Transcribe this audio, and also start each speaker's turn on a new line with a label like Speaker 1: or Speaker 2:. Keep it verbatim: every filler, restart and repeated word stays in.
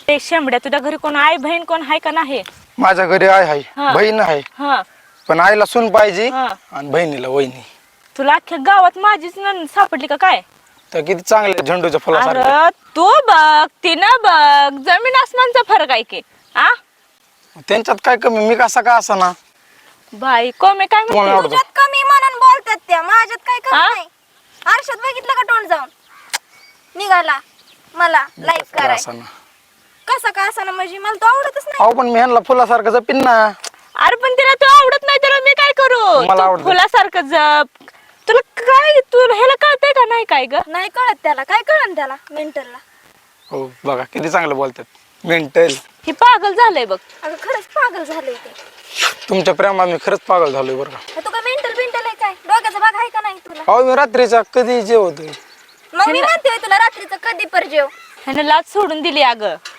Speaker 1: ते शेंबड्या तुझ्या घरी कोण आई बहीण कोण आहे का नाही?
Speaker 2: माझ्या घरी आई आहे,
Speaker 1: हा.
Speaker 2: बहीण आहे,
Speaker 1: हा
Speaker 2: पण आईला सून पाहिजे
Speaker 1: हा.
Speaker 2: आणि बहिणीला वहिनी.
Speaker 1: तुला अख्ख्या गावात माझीच नणंद सापडली का काय?
Speaker 2: तर किती चांगले झेंडूच्या फुलासारखे.
Speaker 1: अरे तू बघ तिनं बघ, जमीन आसमानचा फरक आहे की. आ
Speaker 2: त्यांच्यात काय कमी, मी कसा का असा ना.
Speaker 1: बाई कोमे काय
Speaker 2: तुम्हाला
Speaker 1: म्हणते?
Speaker 2: आवडतं?
Speaker 3: तुझ्यात कमी म्हणून बोलतात त्या, माझ्यात काय
Speaker 1: हा?
Speaker 3: कमी नाही. आरशात बघितलं का तोंड जाऊन निघाला मला लाईक
Speaker 2: कसा
Speaker 3: कराय.
Speaker 2: असा ना.
Speaker 3: कसं का असं ना, म्हणजे मला तो आवडतच नाही.
Speaker 2: अहो पण मी ह्यांना फुलासारखं जपिन ना.
Speaker 1: अरे पण तिला तू आवडत नाही, त्याला मी काय करू?
Speaker 2: मला
Speaker 1: तू
Speaker 2: आवडतं.
Speaker 1: फुलासारखं जप. तुला काय, तू ह्याला कळतंय का नाही काय ग?
Speaker 3: नाही कळत त्याला, काय कळन त्याला मेंटलला.
Speaker 2: हो बघा किती चांगलं बोलतात. मेंटल.
Speaker 1: हे पागल झालंय बघ.
Speaker 3: अगं खरंच पागल झालंय ते.
Speaker 2: तुमच्या प्रेमात मी खरंच पागल झालोय बरं का.
Speaker 3: तू काय मेंटल बिंटल आहे काय? डोक्याचा भाग आहे का नाही तुला?
Speaker 2: अहो मी रात्रीचा कधी जेवतोय.
Speaker 3: मग मी म्हणते तुला रात्रीचं कधी पर जेव.
Speaker 1: ह्यानं लाज सोडून दिली अगं.